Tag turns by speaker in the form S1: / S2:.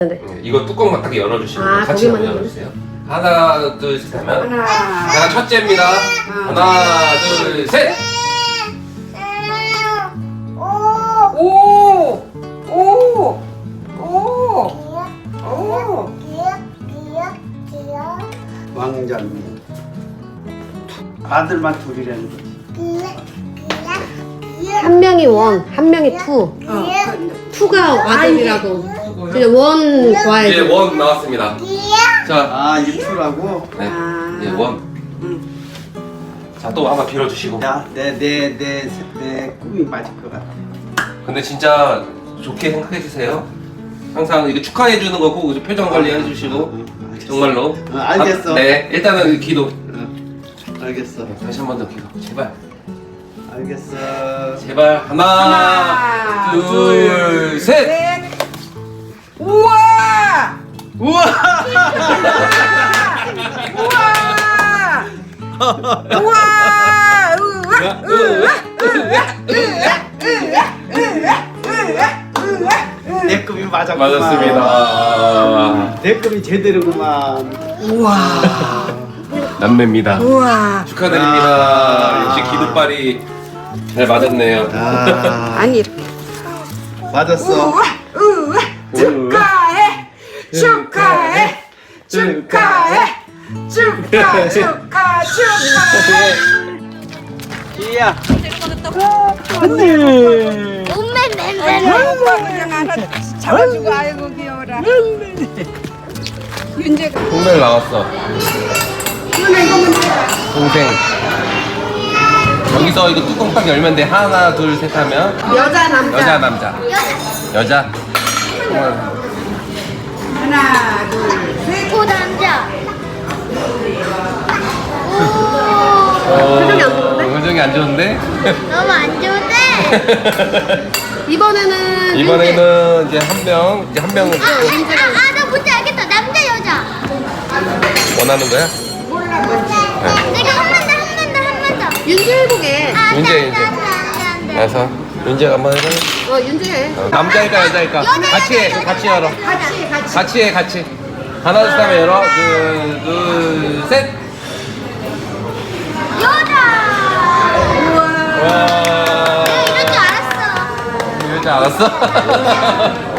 S1: 네.
S2: 이거 뚜껑만 딱 열어주시면
S1: 아,
S2: 같이
S1: 거기만
S2: 한번 열어주세요. 하나, 둘, 셋 하면 하나 첫째입니다. 하나, 둘, 셋.
S3: 오! 오! 오! 오!
S4: 왕자님 아들만 둘이라는 거지.
S1: 한 명이 원, 한 명이 투. 투가 아들이라고. 이제 원
S2: 이제
S1: 좋아해요.
S2: 원 나왔습니다. 자,
S4: 아 이투라고?
S2: 네, 이제 원. 자, 또 한번 빌어주시고.
S4: 야내 꿈이 맞을 것 같아.
S2: 근데 진짜 좋게 생각해 주세요. 항상 이거 축하해 주는 거고 표정 관리 해주시고 정말로.
S4: 알겠어.
S2: 네, 일단은 기도.
S4: 알겠어.
S2: 다시 한 번 더 기도. 제발.
S4: 알겠어.
S2: 제발 하나, 둘, 셋.
S3: 우와!
S4: 우와!
S3: 우와! 우와!
S4: 내 꿈이 맞았구만.
S2: 맞았습니다.
S4: 내 꿈이 제대로구만.
S3: 우와!
S2: 남매입니다.
S3: 우와!
S2: 축하드립니다.
S4: 아.
S2: 역시 기도빨이 잘 맞았네요.
S4: 아
S3: 아니 이렇게.
S4: 맞았어.
S3: 우와! 우와! 축하해! 축하해! 축하해! 축하! 축하! 축하해!
S4: 기야.
S3: 그냥 하나 잡아주고 아이고 귀여워라. 윤재가
S2: 동생 나왔어. 동생. 여기서 이거 뚜껑 딱 열면 돼. 하나, 둘, 셋 하면
S1: 여자, 남자.
S2: 여자, 남자. 여자.
S3: 하나 둘
S5: 오 남자.
S1: 표정이 안 좋은데?
S2: 표정이 안 좋은데?
S5: 너무 안 좋은데.
S1: 이번에는
S2: 이제 한 명, 이제 한 명은
S5: 나 뭔지 알겠다. 남자 여자.
S2: 원하는 거야?
S5: 내가 한 번 더.
S1: 윤재 해보게.
S2: 윤재, 윤재. 그래서 윤재가 한번 해봐.
S1: 윤재 해.
S2: 남자일까 여자일까? 같이 해. 같이 열어. 같이 해. 같이. 하나 둘 셋 하면 열어. 둘, 셋.
S5: 여자.
S2: 와.
S5: 이럴 줄 알았어.
S2: 이럴 줄 알았어?